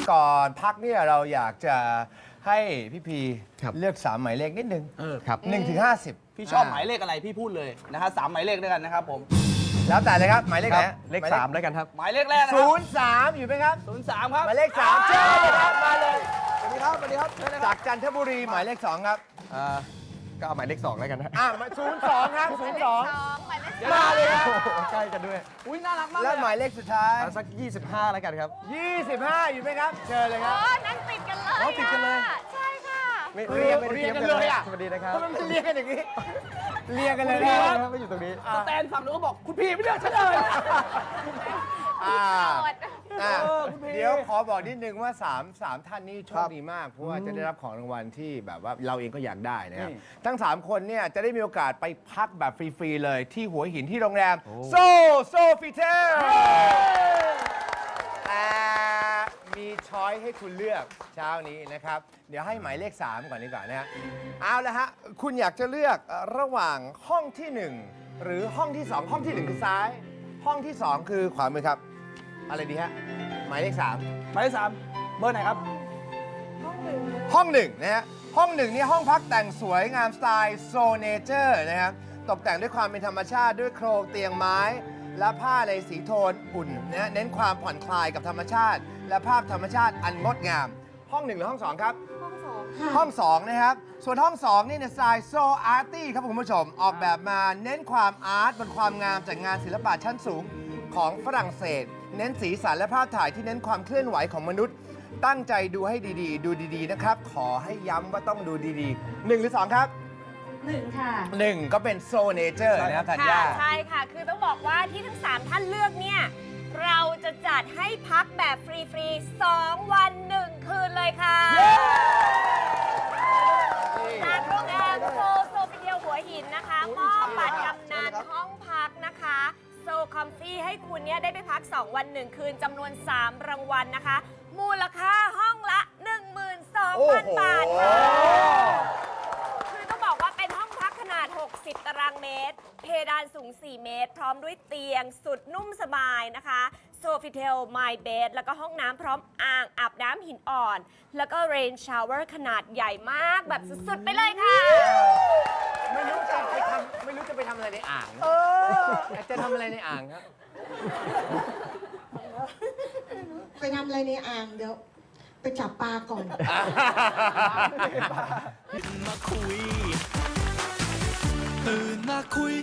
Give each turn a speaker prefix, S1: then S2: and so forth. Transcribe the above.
S1: ก่อนพักเนี่ยเราอยากจะให้พี่พี
S2: ครับ
S1: เลือก3หมายเลขนิดนึง
S2: ครับ
S1: 1 ถึง 50
S3: พี่ชอบหมายเลขอะไรพี่พูดเลยนะฮะ3หมายเลขด้วยกันนะครับผม
S1: แล้วแต่เลยครับหมายเลขไหน
S2: เลข3แล้วกันครับ
S3: หมายเลขแรกนะครั
S1: 03 อยู่ไหมครับ
S3: 03 ครับ
S1: หมายเลข3เชิญเลยครับมาเลย
S3: สวัสดีครับสวัสดีครับเชิญเลยค
S1: จา
S3: รับ
S1: กจันทบุรีหมายเลข 2 ครับ
S2: ก็เอาหมายเลข2แล้วกันนะ
S1: 02 ครับ
S4: หมายเลข
S1: 02 มาเลยครับ
S2: ใกล้กันด้วย
S3: อุ้ยน่ารักมากเล
S1: และ
S3: ย
S1: หมายเลขสุดท้าย
S2: เอาสัก 25 แล้วกันครับ
S1: 25 อยู่ไหมครับ เชิญเลยครับ
S4: นั่งติดกันเลย
S2: อ๋อติดกันเลย
S4: ใช่ค่ะ
S2: ไม่
S1: เรียง
S2: ไม่ได้
S1: เรียง
S2: ต
S1: กั
S2: รี
S1: นเลยอะ
S2: สวัสดีนะครับ
S1: ทำไมมันเรียงกันอย่างนี้ เรียงกันเลย
S2: ไม่
S1: นะ
S2: ได้ครับไม่อยู่ตรงนี้
S3: สแตนฝั่งนู้นก็บอกคุณพี่ไม่เลือกฉันเลย
S1: อ่า
S4: โสด
S3: คุณพี่
S1: เดี๋ยวขอบอกนิดนึงว่า3ท่านนี้โชคดีมาก เพราะว่าจะได้รับของรางวัลที่แบบว่าเราเองก็อยากได้นะครับ ทั้ง 3 คนเนี่ยจะได้มีโอกาสไปพักแบบฟรี ๆ เลยที่หัวหินที่โรงแรมโซฟิเทลแต่มีช้อยให้คุณเลือกเช้านี้นะครับ เดี๋ยวให้หมายเลข 3 ก่อนดีกว่านะฮะเอาละฮะ คุณอยากจะเลือกระหว่างห้องที่ 1 หรือห้องที่ 2 ห้องที่ 1 คือซ้าย ห้องที่ 2 คือขวามือครับ อะไรดีฮะ หมายเลข 3
S3: หมายเลข3เบอร์ไหนครับ
S1: ห้อง 1 นะฮะ ห้อง 1 นี่ห้องพักแต่งสวยงามสไตล์โซเนเจอร์นะครับ ตกแต่งด้วยความเป็นธรรมชาติด้วยโครงเตียงไม้ และผ้าในสีโทนอุ่นนะฮะเน้นความผ่อนคลายกับธรรมชาติ และภาพธรรมชาติอันงดงาม ห้อง 1 หรือห้อง 2 ครับ ห้อง 2 นะครับ ส่วนห้อง 2 นี่เนี่ยสไตล์โซอาร์ตี้ครับคุณผู้ชม ออกแบบมาเน้นความอาร์ตบนความงามจากงานศิลปะชั้นสูงของฝรั่งเศส เน้นสีสันและภาพถ่ายที่เน้นความเคลื่อนไหวของมนุษย์ ตั้งใจดูให้ดีๆ ดูดีๆ นะครับ ขอให้ย้ำว่าต้องดูดีๆ 1 หรือ 2 ครับ
S4: 1 ค่ะ
S1: 1 ก็เป็นโซเนเจอร์นะครับธัญ
S4: ค่ะ
S1: ญา
S4: ใช่ค่ะ คือต้องบอกว่าที่ทั้ง 3 ท่านเลือกเนี่ย เราจะจัดให้พักแบบฟรีๆ 2 วัน 1 คืนเลยค่ะ จากโรงแรมโซฟิเทลหัวหินนะคะ มอบบัตรกำนันห้องพักนะคะ โซคอมฟี่ให้คุณเนี่ยได้ไปพัก 2 วัน 1 คืนจำนวน 3 รางวัลนะคะ มูลค่าห้องละ 12,000 บาทค่ะ คือต้องบอกว่าเป็นห้องพักขนาด 60 ตารางเมตร เพดานสูง 4 เมตร พร้อมด้วยเตียงสุดนุ่มสบายนะคะโซฟิเทลไมเบดแล้วก็ห้องน้ำพร้อมอ่างอาบน้ำหินอ่อน แล้วก็เรนชาวเวอร์ขนาดใหญ่มากแบบสุด ๆ ไปเลยค่ะ
S1: ไม่รู้จะไปทำอะไรในอ่างจะทำอะไรในอ่างครับ
S5: ไปทำอะไรในอ่างเดี๋ยวไปจับปลาก่อน
S6: มาคุยตื่นมาคุย